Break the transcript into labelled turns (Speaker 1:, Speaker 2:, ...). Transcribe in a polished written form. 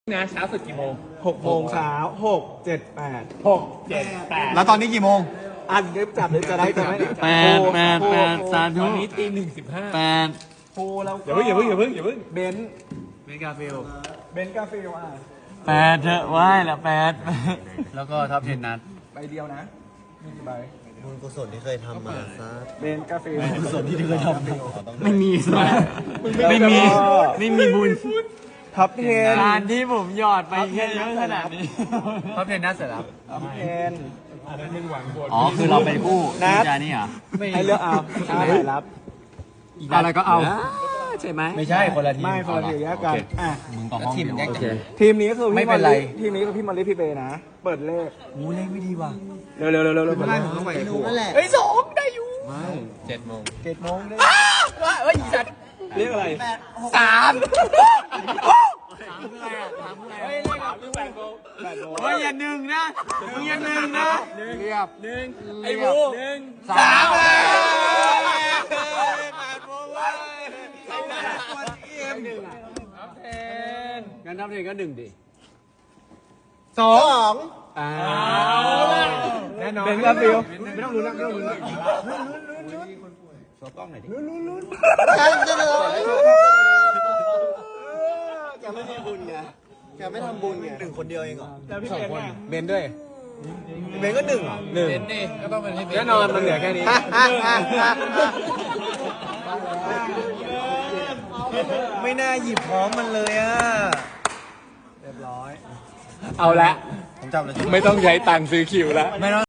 Speaker 1: นะเช้าสุดกี่โมง
Speaker 2: 6 โมงเช้า6 7 8
Speaker 1: 6 7 8
Speaker 3: แล้วตอนนี้กี่โมง
Speaker 2: อันนี้จับเลยจะได้จะไม่เนี่ย
Speaker 4: แปดสาธุ
Speaker 1: ตอนนี้ตี 1:15
Speaker 4: แปด
Speaker 2: โคแล้ว
Speaker 1: อย่าเพิ่ง
Speaker 2: เบนซ์กาฟิลเบนซ์กาฟิล
Speaker 4: แปดเถอะไหว้ละแปด
Speaker 3: แล้วก็ท็อป10นัด
Speaker 2: ใบเดียวนะมีกี่ใบ
Speaker 5: บุญกุศลที่เคยทำมาซะ
Speaker 2: เบนซ์กาฟิล
Speaker 3: กุศลที่เคยทำ
Speaker 4: ไม่มีไม่มีบุญ
Speaker 2: ท็อป10
Speaker 4: การที่ผมหยอดไปแค่เยอะขนาดนี้
Speaker 3: ท็อป10นัดเสร็จแล้ว
Speaker 2: ท็อป10
Speaker 4: อ๋อคือเราเป็นคู่
Speaker 2: นับ
Speaker 4: จานี่เหรอ
Speaker 2: ให้เลือกเอาถ้าไหนรับ
Speaker 4: อะไรก็เอาใช่ไหม
Speaker 3: ไม่ใช่คนละทีม
Speaker 2: ไม่คนละทีมแยกกันอ่ะ
Speaker 4: มึงต่อห้อง
Speaker 3: ทีมแยก
Speaker 4: โอ
Speaker 3: กั
Speaker 4: เค
Speaker 3: น
Speaker 2: ทีมนี้คือ
Speaker 3: ไม่
Speaker 2: พี่
Speaker 3: เป็
Speaker 2: มอน ล
Speaker 3: ไร
Speaker 2: ลี่ทีมนี้คือพี่มอลลี่พี่เบย์นะ เปิดเลข
Speaker 3: โอ้เลขไม่ดีว่ะ
Speaker 2: เร็วๆ
Speaker 5: ไม่
Speaker 2: ๆๆ
Speaker 5: ได้ผมต้องไปดูนั่นแหละ
Speaker 3: เฮ้ย2ได้อยู่7 โมง
Speaker 2: 7 โมงได้
Speaker 3: เฮ้ยสัตว์
Speaker 2: เรียกอะไร
Speaker 3: 3
Speaker 4: ถามอะไรอ่ะถามอะไร
Speaker 1: เฮ้ย
Speaker 4: อ่ะ
Speaker 1: เลขครับคือ8 โมง
Speaker 2: 8 โมง
Speaker 4: เฮ้ยอย่าหนึ่งนะมึงอย่าหนึ่งนะ
Speaker 3: เรียบ
Speaker 1: ไอ้บู1
Speaker 3: 3
Speaker 4: งั้นทำเองก็หนึ่งดิ
Speaker 5: สอง
Speaker 2: แน่นอนเบนซ์กาฟิลไม่ต้องลุ้นนะไม่ต้องลุ้นนะ
Speaker 5: แกไม่ทำบุญไงแกไม่ทำบุญไง1 คนเดียวเองเหรอ
Speaker 2: แล้วพี่เบนซ์เนี่ย
Speaker 3: เบนด้วย
Speaker 5: เบนก็1เหรอ
Speaker 1: เบนดิก็ต้องเป็นให้เบน
Speaker 2: แน่นอนมันเหลือแค่นี้
Speaker 5: ไม่น่าหยิบพร้อมมันเลยอ่ะ
Speaker 2: เรียบร้อย
Speaker 1: เอาละ
Speaker 3: ผมจับเลย
Speaker 1: ไม่ต้องใช้ตังค์ซื้อคิวแล้ว
Speaker 3: ไม่ต้อง